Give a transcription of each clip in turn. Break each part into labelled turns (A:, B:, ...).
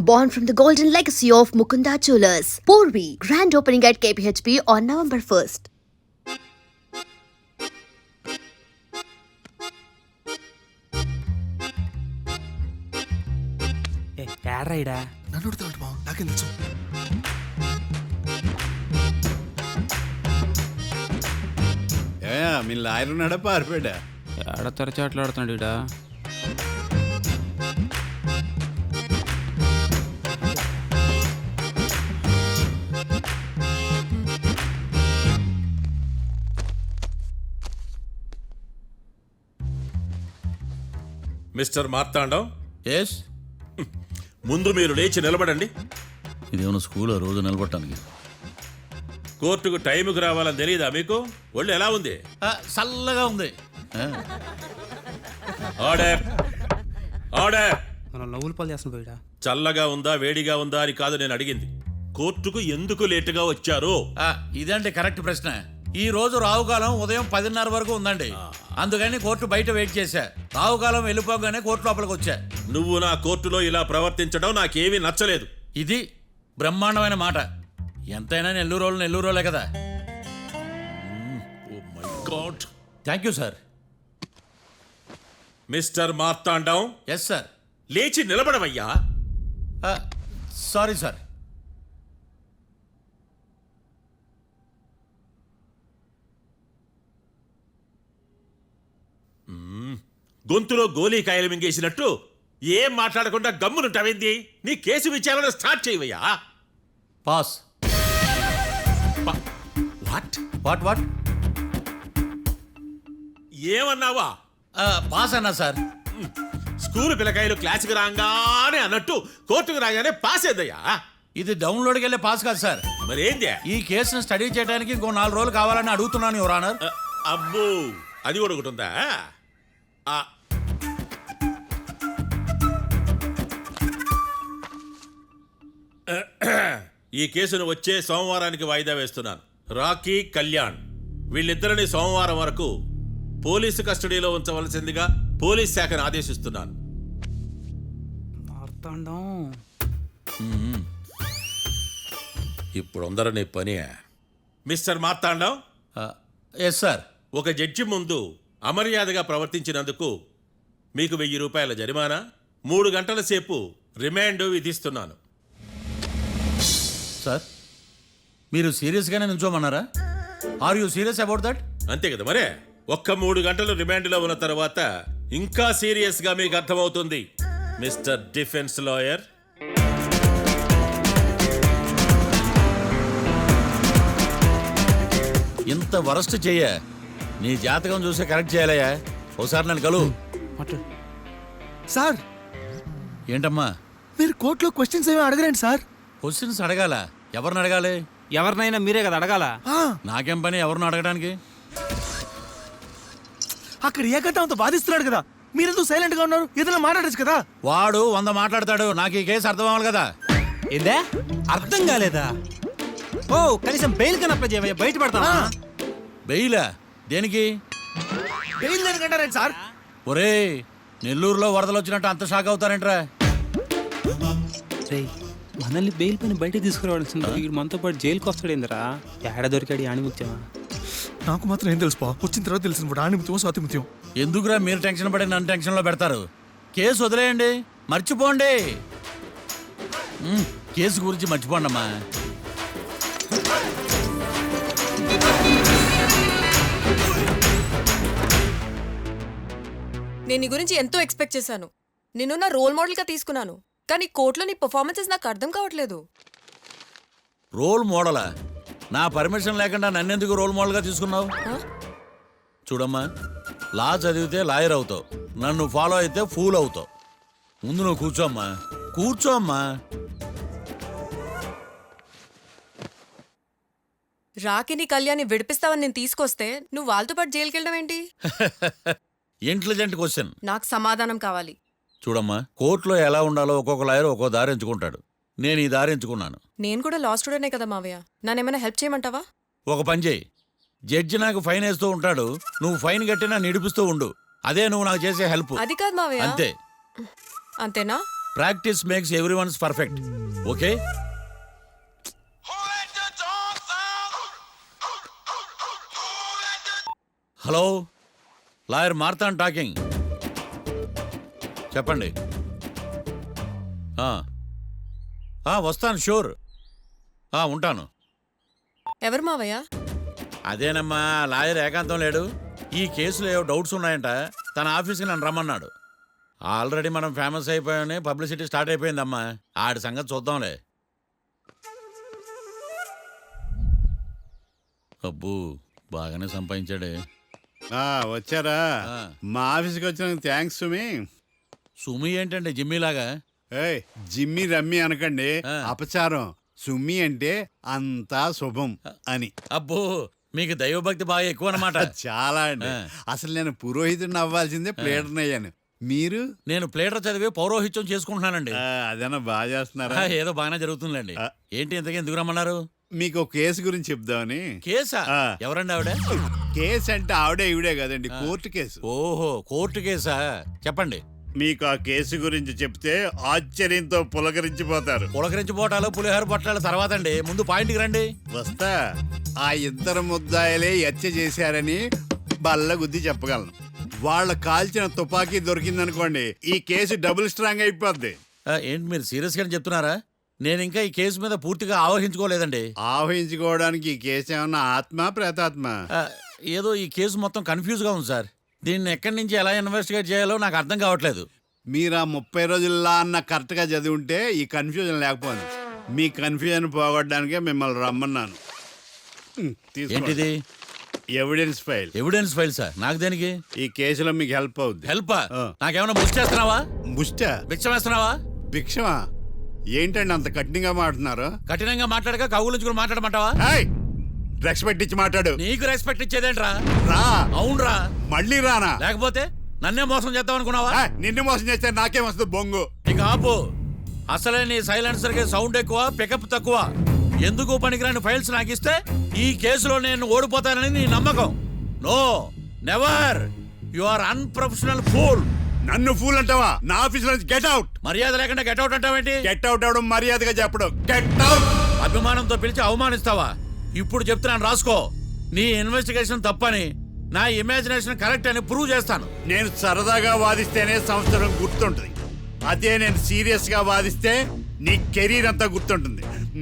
A: born from the golden legacy of Mukunda Jewelers. Porvi, grand opening at KPHP on November 1st.
B: ఏడ్రైడా
C: నన్ను అడుగుతాడు బావ, నాకేం తెలుసు?
D: మీ lawyer ఉన్నాడా పారిపోయాడా?
B: ఏడ తెరచాట్లాడుతున్నాడు ఇడా.
E: Mister Marthandam,
D: yes.
E: ముందు మీరు లేచి నిలబడండి.
D: ఇదేమన్నా స్కూల్ రోజు నిలబడటానికి?
E: కోర్టుకు టైంకి రావాలని తెలియదా మీకు? ఒళ్ళు ఎలా ఉంది?
D: చల్లగా ఉంది.
E: Order, order.
B: మనం నవ్వులు పాలు చేస్తున్నాం పోయిడా.
E: చల్లగా ఉందా వేడిగా ఉందా అని కాదు నేను అడిగింది. కోర్టుకు ఎందుకు లేటుగా వచ్చారు?
D: ఇదండి కరెక్ట్ ప్రశ్న. ఈ రోజు రావుకాలం ఉదయం 10:30 వరకు ఉందండి. అందుకని కోర్టు బయట వెయిట్ చేశా. రావుకాలం వెళ్ళిపోగానే కోర్టు లోపలికి వచ్చా.
E: నువ్వు నా కోర్టులో ఇలా ప్రవర్తించడం నాకేమీ నచ్చలేదు.
D: ఇది బ్రహ్మాండమైన మాట. ఎంతైనా నెల్లూరు రోలే కదా.
E: Oh my god.
D: Thank you sir.
E: Mister Marthandam,
D: yes sir.
E: లేచి నిలబడవయ్యా.
D: Sorry sir.
E: గొంతులో గోలీకాయలు మింగేసినట్టు ఏం మాట్లాడకుండా గమ్మునుంటావేంది? నీ కేసు విచారణ స్టార్ట్ చేయవయ్యా.
D: పాస్.
E: వాట్
D: వాట్ వాట్
E: ఏమన్నావా?
D: పాస్ అన్నా సార్.
E: స్కూల్ పిల్లకాయలు క్లాసుకు రాగానే అన్నట్టు కోర్టుకు రాగానే పాస్ అయ్యా.
D: ఇది డౌన్లోడ్కి వెళ్ళే పాస్ కాదు సార్.
E: మరేంది?
D: ఈ కేసును స్టడీ చేయడానికి ఇంకో 4 రోజులు కావాలని అడుగుతున్నాను యువర్ ఆనర్.
E: అబ్బో, అది కూడా ఒకటి ఉందా? ఈ కేసును వచ్చే సోమవారానికి వాయిదా వేస్తున్నాను. రాకీ, కళ్యాణ్ వీళ్ళిద్దరిని సోమవారం వరకు పోలీసు కస్టడీలో ఉంచవలసిందిగా పోలీస్ శాఖను ఆదేశిస్తున్నాను.
B: మార్తాండం
E: ఇప్పుడు అందరూ నీ పని. Mister Marthandam,
D: yes sir.
E: ఒక జడ్జి ముందు అమర్యాదగా ప్రవర్తించినందుకు మీకు 1000 రూపాయల జరిమానా, 3 గంటల సేపు రిమాండ్ విధిస్తున్నాను.
D: సార్, మీరు సీరియస్గానే నిల్చోమన్నారా? Are you serious about that?
E: అంతే కదా మరే. ఒక్క 3 గంటలు రిమాండ్లో ఉన్న తర్వాత ఇంకా సీరియస్గా మీకు అర్థమవుతుంది. మిస్టర్ డిఫెన్స్ లాయర్,
D: ఇంత వరస్ట్ చెయ్య నీ జాతకం చూసే కరెక్ట్ చేయాలయ్యా. ఒకసారి నన్ను కలు.
C: సార్,
D: ఏంటమ్మా
C: మీరు కోర్టులో క్వశ్చన్స్ ఏమీ అడగరండి సార్.
D: క్వశ్చన్స్ అడగాల? ఎవరిని అడగాలి?
B: ఎవరినైనా మీరే కదా అడగాల.
D: నాకేం పని ఎవరిని అడగడానికి?
C: అక్కడ ఏకంటే అంత బాధిస్తున్నాడు కదా, మీరెందుకు సైలెంట్ గా ఉన్నారు? ఏదైనా మాట్లాడచ్చు కదా.
D: వాడు 100 మాట్లాడతాడు. నాకు ఈ కేసు అర్థం అవ్వాలి కదా.
B: ఏందే అర్థం కాలేదా? ఓ కనీసం బెయిల్ కన్నా అప్లై చేయవయ్యా, బయట పడతావా?
D: బెయిలా? దేనికి?
C: బెయిల్ దేనికంటారండి సార్?
D: ఒరే, నెల్లూరులో వరదలు వచ్చినట్టు అంత షాక్ అవుతారేంట్రా?
B: మనల్ని బెయిల్ పైన బయట తీసుకురావాల్సింది. వీడు మనతో పాటు జైలుకి వస్తాడేందిరా? ఏడ దొరికాడు ఆణిముత్యమా?
C: నాకు మాత్రం ఏం తెలుసు, వచ్చిన తర్వాత తెలిసిన ఆణిముత్యం స్వాతిముత్యం.
D: ఎందుకురా మీరు టెన్షన్ పడి నన్ను టెన్షన్లో పెడతారు? కేసు వదిలేయండి, మర్చిపోండి. కేసు గురించి మర్చిపోండి అమ్మా.
F: నేను నీ గురించి ఎంతో ఎక్స్పెక్ట్ చేశాను. నిన్ను నా రోల్ మోడల్గా తీసుకున్నాను. కానీ కోర్టులో నీ పర్ఫార్మెన్సెస్ నాకు అర్థం కావట్లేదు.
D: రోల్ మోడలా? నా పర్మిషన్ లేకుండా నన్నెందుకు రోల్ మోడల్గా తీసుకున్నావు? చూడమ్మా, లా చదివితే లాయర్ అవుతావు, నన్ను ఫాలో అయితే ఫూల్ అవుతావు. ముందు నువ్వు కూర్చోమ్మా, కూర్చోమ్మా.
F: రాకిని కళ్యాణ్ని విడిపిస్తావని నేను తీసుకొస్తే నువ్వు వాళ్ళతో పాటు జైలుకి వెళ్ళడం ఏంటి?
D: Intelligent question.
F: నాకు సమాధానం కావాలి.
D: చూడమ్మా, కోర్టులో ఎలా ఉండాలో ఒక్కొక్క లాయర్ ఒక్కో దారి ఎంచుకుంటాడు. నేను ఈ దారి ఎంచుకున్నాను.
F: నేను కూడా లా స్టూడెంటే కదా మావయ్య, నన్నేమైనా హెల్ప్ చేయమంటావా?
D: ఒక పని చేయి, జడ్జి నాకు ఫైన్ వేస్తూ ఉంటాడు, నువ్వు ఫైన్ కట్టినా నిడిపిస్తూ ఉండు. అదే నువ్వు నాకు చేసే హెల్ప్.
F: అది కాదు మావయ్య.
D: అంతే.
F: అంతేనా?
D: Practice makes every ones perfect. Okay. Hello, lawyer Marthan talking. చెప్పండి. వస్తాను, షూర్. ఉంటాను.
F: ఎవరు మావయ్య?
D: అదేనమ్మా, లాయర్ ఏకాంతం లేడు. ఈ కేసులో ఏవో డౌట్స్ ఉన్నాయంట, తన ఆఫీస్కి నన్ను రమ్మన్నాడు. ఆల్రెడీ మనం ఫేమస్ అయిపోయామని పబ్లిసిటీ స్టార్ట్ అయిపోయిందమ్మా. ఆడి సంగతి చూద్దాంలే. అబ్బు, బాగానే సంపాదించాడే.
G: వచ్చారా?
D: ఆ.
G: మా ఆఫీస్కి వచ్చినందుకు థ్యాంక్స్ సుమి.
D: సుమి ఏంటండి జిమ్మీలాగా?
G: ఏయ్, జిమ్మి రమ్మి అనకండి,
D: ఆ.
G: అపచారం. సుమి అంటే అంతా శుభం అని.
D: అబ్బో, మీకు దైవభక్తి బాగా ఎక్కువ అన్నమాట.
G: చాలా అండి.
D: ఆ.
G: అసలు నేను పురోహితుడిని అవ్వాల్సిందే, ప్లేటర్ని అయ్యాను. మీరు?
D: నేను ప్లేటర్ చదివి పౌరోహిత్యం చేసుకుంటున్నానండి.
G: అదేనా బాగా చేస్తున్నారా?
D: ఏదో బాగానే జరుగుతుందండి.
G: ఆ.
D: ఏంటి ఇంతకీ ఎందుకు రమ్మన్నారు?
G: మీకు ఒక కేసు గురించి చెప్దామని.
D: కేసా?
G: ఆ.
D: ఎవరండి ఆవిడ?
G: కేసు అంటే ఆవిడే ఈవిడే కదండి, కోర్టు కేసు.
D: ఓహో, కోర్టు కేసా? చెప్పండి.
G: మీకు ఆ కేసు గురించి చెప్తే ఆశ్చర్యంతో పులకరించిపోతారు.
D: పులకరించిపోవటాలు పులిహోర పొట్టాలు తర్వాత అండి, ముందు పాయింట్కి రండి.
G: వస్తా. ఆ ఇద్దరు ముద్దాయలే హత్య చేశారని బల్ల గుద్ది చెప్పగలను. వాళ్ళ కాల్చిన తుపాకీ దొరికిందనుకోండి, ఈ కేసు డబుల్ స్ట్రాంగ్ అయిపోద్ది.
D: ఏంటి మీరు సీరియస్గా చెప్తున్నారా? నేను ఇంకా ఈ కేసు మీద పూర్తిగా ఆవహించుకోలేదండి.
G: ఆవహించుకోవడానికి ఈ కేసు ఏమన్నా ఆత్మ ప్రేతాత్మ?
D: ఏదో ఈ కేసు మొత్తం కన్ఫ్యూజ్గా ఉంది సార్. దీన్ని ఎక్కడి నుంచి ఎలా ఇన్వెస్టిగేట్ చేయాలో నాకు అర్థం కావట్లేదు.
G: మీరు ఆ 30 రోజుల్లా అన్న కరెక్ట్గా చదివి ఉంటే ఈ కన్ఫ్యూజన్ లేకపోను. మీ కన్ఫ్యూజన్ పోగొట్టడానికే మిమ్మల్ని రమ్మన్నాను. తీసుకోండి.
D: ఏంటిది?
G: Evidence file.
D: Evidence file sir? నాకు దేనికి?
G: ఈ కేసులో మీకు హెల్ప్ అవుద్ది.
D: హెల్ప్?
G: ఆ.
D: నాకేమైనా ముష్టి చేస్తున్నావా?
G: ముష్ట?
D: భిక్షం వేస్తున్నావా?
G: భిక్షమా? ఏంటండి అంత కఠినంగా మాట్లాడుతున్నారు?
D: కఠినంగా మాట్లాడక కవులుంచుకుని మాట్లాడమంటావా?
G: రెస్పెక్ట్ ఇచ్చి మాట్లాడు.
D: నీకు రెస్పెక్ట్ ఇచ్చేదేంట్రా?
G: రా.
D: అవునరా?
G: మళ్ళీ రానా?
D: లేకపోతే నన్నే మోసం చేద్దాం అనుకున్నావా?
G: నిన్ను మోసం చేస్తే నాకేం వస్తుంది బొంగు?
D: ఇక ఆపు. అసలే నీ సైలెన్సర్ కి సౌండ్ ఎక్కువ, పికప్ తక్కువ. ఎందుకు పనికిరాని ఫైల్స్ నాకు ఇస్తే ఈ కేసులో నేను ఓడిపోతానని నీ నమ్మకం. No, never. You are unprofessional fool.
G: నన్ను ఫూల్ అంటావా? నా ఆఫీస్ నుంచి గెట్ అవుట్.
D: మర్యాద లేకుండా గెట్ అవుట్ అంటావేంటి?
G: గెట్ అవుట్ అవడం మర్యాదగా చెప్పడం. Get out.
D: అభిమానంతో పిలిచి అవమానిస్తావా? ఇప్పుడు చెప్తున్నాను, రాసుకో. నీ ఇన్వెస్టిగేషన్ తప్పని, నా ఇమాజినేషన్ కరెక్ట్ అని ప్రూవ్ చేస్తాను.
G: నేను సరదాగా వాదిస్తేనే సంవత్సరం గుర్తుంటుంది. అదే నేను సీరియస్ గా వాదిస్తే నీ కెరీర్ అంతా గుర్తుంటుంది.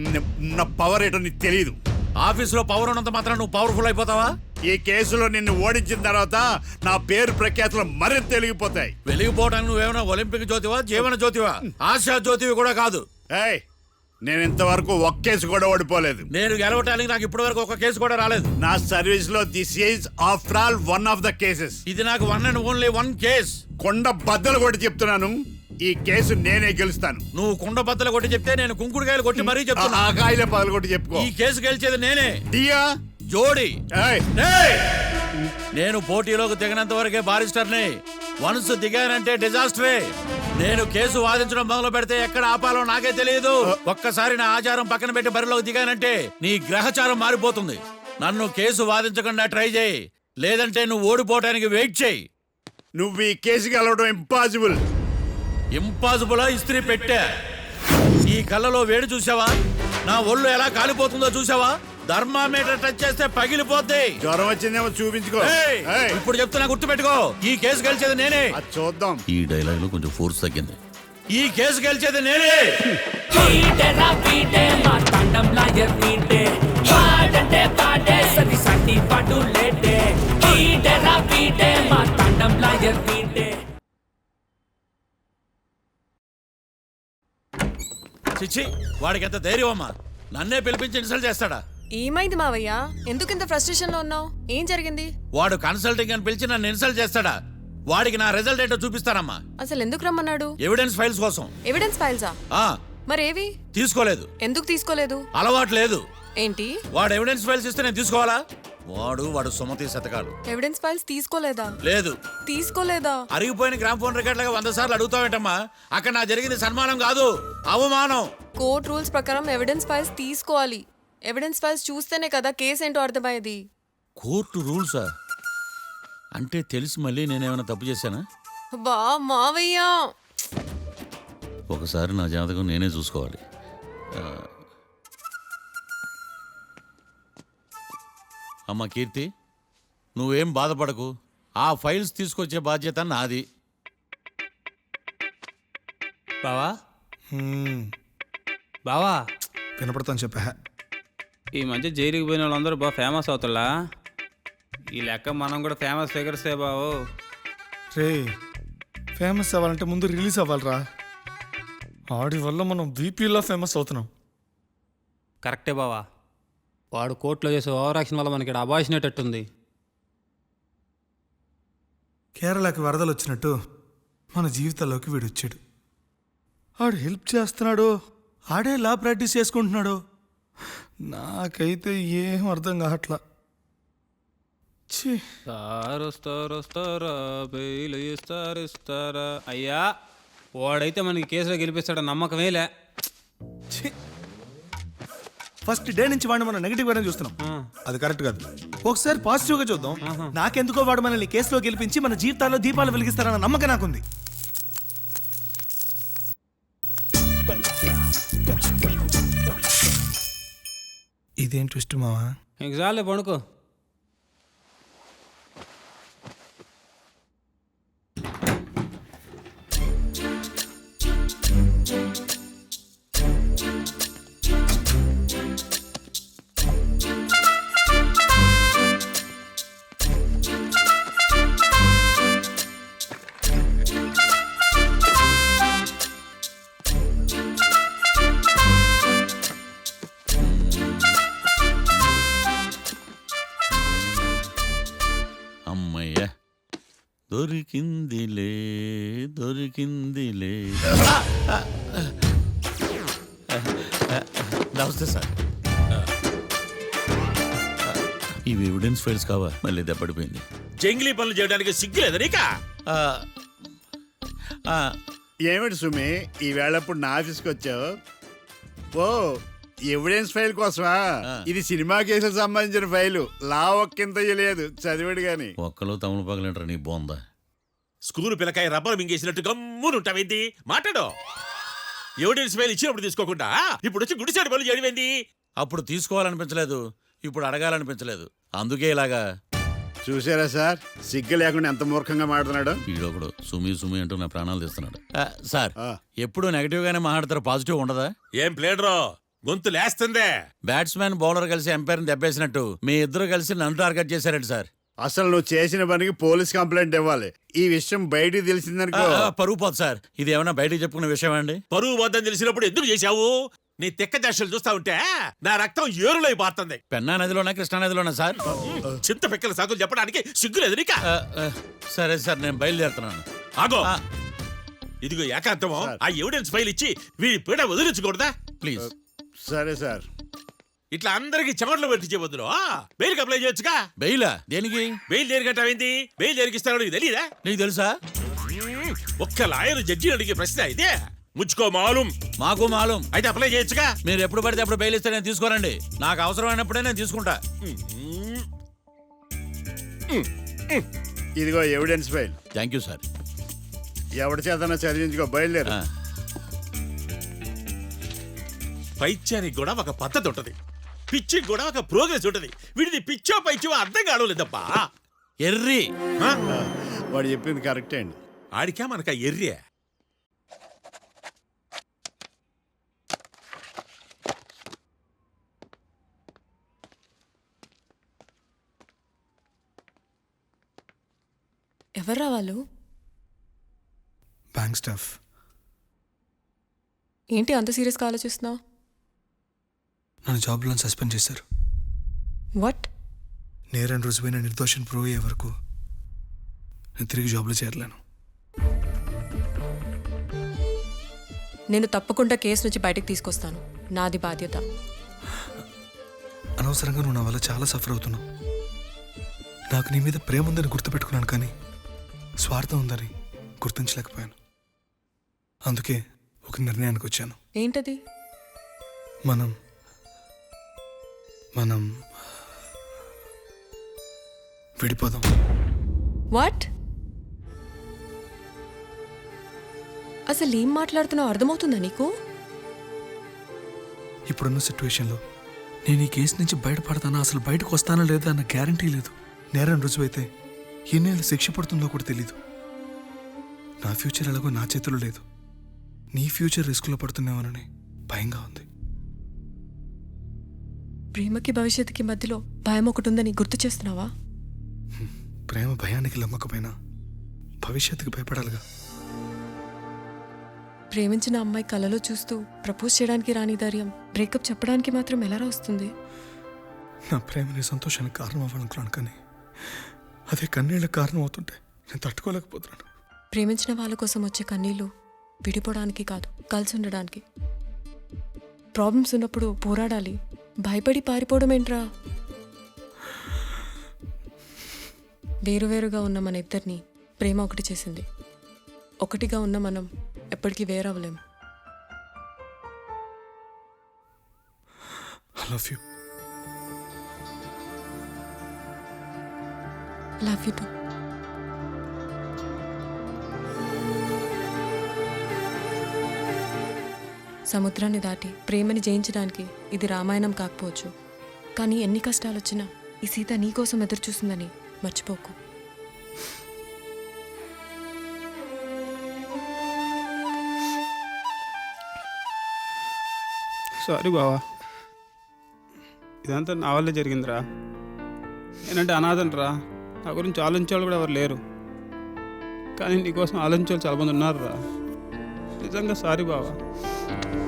G: నా పవర్ ఏంటో నీకు తెలియదు.
D: ఆఫీసులో పవర్ ఉన్నంత మాత్రం నువ్వు పవర్ఫుల్ అయిపోతావా?
G: ఈ కేసులో నిన్ను ఓడించిన తర్వాత నా పేరు ప్రఖ్యాతులు మరింత తెలిగిపోతాయి.
D: వెలిగిపోవడానికి నువ్వేమైనా ఒలింపిక్ జ్యోతివా, జీవన జ్యోతివా? ఆశా జ్యోతివి కూడా కాదు.
G: ఏయ్, నేను ఇంతవరకు ఒక్క కేసు కూడా ఓడిపోలేదు.
D: నేను గెలవటానికి నాకు ఇప్పటి వరకు ఒక కేసు కూడా రాలేదు.
G: నా సర్వీస్ లో this is after all one of the cases.
D: ఇది నాకు one and only one case.
G: కొండ బద్దలు కూడా చెప్తున్నాను, ఈ కేసు నేనే గెలుస్తాను.
D: నువ్వు కుండ బద్దలు కొట్టి చెప్తే నేను కుంకుడుకాయలు కొట్టి మరీ చెప్తున్నా.
G: ఆ కాయలే పగలు కొట్టి చెప్పుకో.
D: ఈ కేసు గెలిచేది నేనే.
G: డియా
D: జోడి.
G: ఏయ్,
D: ఏయ్! నేను పోటీలోకి దిగినంత వరకే బారిస్టర్ని. వన్స్ దిగానంటే డిజాస్టరే. నేను కేసు వాదించడం మొదలు పెడితే ఎక్కడ ఆపాలో నాకే తెలియదు. ఒక్కసారి నా ఆచారం పక్కన పెట్టి బరిలోకి దిగానంటే నీ గ్రహచారం మారిపోతుంది. నన్ను కేసు వాదించకుండా ట్రై చేయి, లేదంటే నువ్వు ఓడిపోవటానికి వెయిట్ చేయి.
G: నువ్వు ఈ కేసు గెలవడం ఇంపాసిబుల్.
D: ఇంపాసిబులా? ఇస్త్రీ పెట్టా. ఈ కళ్ళలో వేడి చూసావా? నా ఒళ్ళు ఎలా కాలిపోతుందో చూసావా? థర్మామీటర్ టచ్ చేస్తే పగిలిపోద్ది.
G: జ్వరం వచ్చిందేమో చూపించుకో.
D: ఏయ్!
G: ఏయ్,
D: ఇప్పుడు చెప్తున్నా, గుర్తు పెట్టుకో. ఈ కేసు గెలిచేది నేనే.
G: అది చూద్దాం.
D: ఈ డైలాగ్ లో కొంచెం ఫోర్స్ తగ్గింది. ఈ కేసు గెలిచేది నేనే.
H: పీటేరా పీటే మా తండం లాయర్ పీటే పాడంటే పాడే సది సతి పడు లేటే పీటేరా పీటే మా తండం లాయర్ పీటే.
D: చిచ్చి, వాడికి ఎంత ధైర్యం అమ్మా! నన్నే పిలిపించి ఇన్సల్ట్ చేస్తాడా?
F: ఏమైంది మావయ్య? ఎందుకు ఇంత ఫ్రస్ట్రేషన్ లో ఉన్నావు? ఏం జరిగింది?
D: వాడు కన్సల్టింగ్ అని పిలిచి నన్ను ఇన్సల్ట్ చేస్తాడా? వాడికి నా రిజల్ట్ ఏంటో చూపిస్తానమ్మా.
F: అసలు ఎందుకు రమ్మన్నాడు?
D: ఎవిడెన్స్ ఫైల్స్ కోసం.
F: ఎవిడెన్స్ ఫైల్సా?
D: ఆ
F: మరేవి?
D: తీసుకోలేదు.
F: ఎందుకు తీసుకోలేదు?
D: అలవాటు లేదు.
F: ఏంటి?
D: వాడు ఎవిడెన్స్ ఫైల్స్ ఇస్తే నేను తీసుకోవాలా? వాడు సుమతి శతకాలు.
F: ఎవిడెన్స్ ఫైల్స్ తీసుకోలేదా?
D: లేదు.
F: తీసుకోలేదా?
D: అరిగిపోయిన గ్రామ్ ఫోన్ రికార్డులుగా 100 సార్లు అడుగుతావేంటమ్మా? అక్కడ నా జరిగింది సన్మానం కాదు, అవమానం.
F: కోర్ట్ రూల్స్ ప్రకారం ఎవిడెన్స్ ఫైల్స్ తీసుకోవాలి. ఎవిడెన్స్ ఫైల్స్ చూస్తేనే కదా కేసు ఏంటో అర్థమయ్యేది.
D: కోర్టు రూల్సా? అంటే తెలిసి మళ్ళీ నేనేమైనా తప్పు చేశానా?
F: బా మావయ్య,
D: ఒకసారి నా జాతకం నేనే చూసుకోవాలి. అమ్మ కీర్తి, నువ్వేం బాధపడకు. ఆ ఫైల్స్ తీసుకొచ్చే బాధ్యత నాది.
B: బావా బావా,
C: వినపడతాను చెప్పా.
B: ఈ మధ్య జైలుకి పోయిన వాళ్ళందరూ బాగా ఫేమస్ అవుతారా? ఈ లెక్క మనం కూడా ఫేమస్ ఫిగర్సే బావు.
C: రే, ఫేమస్ అవ్వాలంటే ముందు రిలీజ్ అవ్వాలిరా. ఆడి వల్ల మనం వీపీలో ఫేమస్ అవుతున్నాం.
B: కరెక్టే బావా, వాడు కోర్టులో చేసే ఓవర్ యాక్షన్ వల్ల మనకి అబాయిసినట్టుంది.
C: కేరళకి వరదలు వచ్చినట్టు మన జీవితాల్లోకి వీడు వచ్చాడు. ఆడు హెల్ప్ చేస్తున్నాడు, ఆడే లా ప్రాక్టీస్ చేసుకుంటున్నాడు. నాకైతే ఏం అర్థం కావట్లా. ఛీ,
B: వస్తారా బెయిల్ ఇస్తారా? అయ్యా, వాడైతే మనకి కేసులో గెలిపిస్తాడని నమ్మకమేలే.
C: ఛీ. ఫస్ట్ డే నుంచి వాడిని మనం నెగిటివ్ గానే చూస్తున్నాం. అది కరెక్ట్ కాదు. ఒకసారి పాజిటివ్ గా చూద్దాం. నాకెందుకో వాడు మనల్ని కేసులో గెలిపించి మన జీవితాల్లో దీపాలు వెలిగిస్తారన్న నమ్మకం నాకుంది. ఇదేం ట్విస్ట్ మావా?
B: ఇంక చాలే పడుకో.
D: అమ్మయ్య, దొరికిందిలే దొరికిందిలే. నమస్తే సార్. ఇవి ఎవిడెన్స్ ఫైల్స్ కావా? మళ్ళీ దెబ్బడిపోయింది.
E: జంగిలీ పనులు చేయడానికి సిగ్గులేదు నీకా?
G: ఏమిటి సుమి, ఈ వేళప్పుడు నా ఆఫీస్కి వచ్చావు? ఓ, ఎవిడెన్స్ ఫైల్ కోసమా? ఇది సినిమా కేసులకు సంబంధించిన ఫైలు. లా ఒక్కింత లేదు, చదివాడు గాని.
D: ఒక్కలో తమను పగలంటారు నీ బోందా.
E: School పిల్లకాయ rubber మింగేసినట్టు గమ్మునుంటావేంది? మాట్లాడు. ఎవిడెన్స్ ఫైల్ ఇచ్చినప్పుడు తీసుకోకుండా ఇప్పుడు వచ్చి గుడిసాడు పనులు చేయడమేంది?
D: అప్పుడు తీసుకోవాలనిపించలేదు, ఇప్పుడు అడగాలనిపించలేదు. అందుకే ఇలాగా.
G: చూసారా సార్, సిగ్గు లేకుండా ఎంత మూర్ఖంగా మాట్లాడుతున్నాడు.
D: ఈడొకడు సుమి సుమి అంటూ నా ప్రాణాలు తీస్తున్నాడు. సార్, ఎప్పుడు నెగిటివ్ గానే మాట్లాడతారు, పాజిటివ్ ఉండదా?
E: ఏం ప్లేడరో, గొంతు లేస్తుందే.
D: బ్యాట్స్మెన్ బౌలర్ కలిసి ఎంపైర్ని దెబ్బేసినట్టు మీ ఇద్దరు కలిసి నన్ను టార్గెట్ చేశారండి సార్.
G: అసలు నువ్వు చేసిన పనికి పోలీస్ కంప్లైంట్ ఇవ్వాలి. ఈ విషయం బయటికి తెలిసిందనుకో
D: పరువు పోదు సార్. ఇది ఏమైనా బయటికి చెప్పుకునే విషయం అండి?
E: పరువు వద్దని తెలిసినప్పుడు ఎందుకు చేశావు? నీ తెక్క దశలు చూస్తా ఉంటే నా రక్తం ఏరులై పారుతుంది.
D: పెన్నా నదిలోనా కృష్ణా నదిలోనా సార్?
E: చింత పిక్కల సాకులు చెప్పడానికి సిగ్గులేదు నీకా?
D: సరే సార్, నేను బయలుదేరుతున్నాను.
E: ఆగో, ఇదిగో ఏకాంతమో ఆ ఎవిడెన్స్ ఫైల్ ఇచ్చి వీడి పీడ వదిలించకూడదా?
D: ప్లీజ్.
G: సరే సార్.
E: ఇట్లా అందరికి చెమటలు పెట్టించే బదులు బెయిల్కి అప్లై చేయొచ్చుగా.
D: బెయిలా? దేనికి?
E: బెయిల్ దేనికంటావేంది? బెయిల్ దేనికిస్తాడో నీకు తెలియదా?
D: నీకు తెలుసా?
E: ఒక్క లాయర్ జడ్జి అడిగే ప్రశ్న ఇదే. ముచ్చుకో మాలూం.
D: మాకు మాలూం.
E: అయితే అప్లై చేయొచ్చుగా.
D: మీరు ఎప్పుడు పడితే అప్పుడు బెయిల్ ఇస్తే నేను తీసుకోరండి. నాకు అవసరమైనప్పుడే నేను తీసుకుంటా.
G: ఇదిగో evidence file.
D: Thank you sir.
G: ఎవరి చేతనా చదివించుకో, బయలుదేరు.
E: పైత్యానికి కూడా ఒక పద్ధతి ఉంటది, పిచ్చికి కూడా ఒక ప్రోగ్రెస్ ఉంటది. వీడిది పిచ్చో పైచో అర్థం కావలేదబ్బా.
D: ఎర్రి.
G: వాడు చెప్పింది కరెక్టే అండి.
E: ఆడికా మనక ఎర్రే.
F: ఎవర్రా వాళ్ళు?
C: Bank staff.
F: ఏంటి అంత సీరియస్గా ఆలోచిస్తున్నావు?
C: నన్ను జాబ్లో సస్పెండ్ చేశారు.
F: వాట్?
C: నేరం రుజువైన నిర్దోషం ప్రూవ్ అయ్యే వరకు నేను తిరిగి జాబ్లో చేరలేను.
F: నేను తప్పకుండా కేసు నుంచి బయటకు తీసుకొస్తాను, నాది బాధ్యత.
C: అనవసరంగా నువ్వు నా వల్ల చాలా సఫర్ అవుతున్నావు. నాకు నీ మీద ప్రేమ ఉందని గుర్తుపెట్టుకున్నాను, కానీ స్వార్థం ఉందని గుర్తించలేకపోయాను. అందుకే ఒక నిర్ణయానికి వచ్చాను.
F: ఏంటది?
C: మనం విడిపోదాం.
F: వాట్? అసలు ఏం మాట్లాడుతున్నావు అర్థమవుతుందా నీకు?
C: ఇప్పుడున్న సిచ్యువేషన్లో నేను ఈ కేసు నుంచి బయటపడతానా, అసలు బయటకు వస్తానా లేదా అన్న గ్యారంటీ లేదు. నేరం రుజువైతే ఎన్నేళ్ళు శిక్ష పడుతుందో కూడా తెలీదు. నా ఫ్యూచర్ ఎలాగో నా చేతిలో లేదు. నీ ఫ్యూచర్ రిస్క్లో పడుతున్నామని భయంగా ఉంది.
F: ప్రేమకి భవిష్యత్తుకి మధ్యలో భయం ఒకటి ఉందని గుర్తు చేస్తున్నావా?
C: ప్రేమ భయానికి లమ్మకపోయినా భవిష్యత్తుకి భయపడాలిగా.
F: ప్రేమించిన అమ్మాయి కలలో చూస్తూ ప్రపోజ్ చేయడానికి రాని ధైర్యం బ్రేకప్ చెప్పడానికి మాత్రం ఎలా వస్తుంది?
C: నా ప్రేమని సంతోషానికి కారణం అవ్వాలనుకున్నాను, కానీ అదే కన్నీళ్ళకి కారణం అవుతుంటే నేను తట్టుకోలేకపోతున్నాను.
F: ప్రేమించిన వాళ్ళ కోసం వచ్చే కన్నీళ్ళు విడిపోవడానికి కాదు, కలిసి ఉండడానికి. ప్రాబ్లమ్స్ ఉన్నప్పుడు పోరాడాలి, భయపడి పారిపోవడం ఏంట్రా? వేరువేరుగా ఉన్న మన ఇద్దరిని ప్రేమ ఒకటి చేసింది. ఒకటిగా ఉన్న మనం ఎప్పటికీ వేరవ్వలేం.
C: I love you.
F: Love you too. సముద్రాన్ని దాటి ప్రేమని జయించడానికి ఇది రామాయణం కాకపోవచ్చు, కానీ ఎన్ని కష్టాలు వచ్చినా ఈ సీత నీకోసం ఎదురు చూస్తుందని మర్చిపోకు.
B: సారీ బావా, ఇదంతా నా వల్లే జరిగిందిరా. నేనంటే అనాథనరా, నా గురించి ఆలోచించేవాళ్ళు కూడా ఎవరు లేరు. కానీ నీకోసం ఆలోచించే వాళ్ళు చాలా మంది ఉన్నారు రా. నిజంగా సారీ బావా.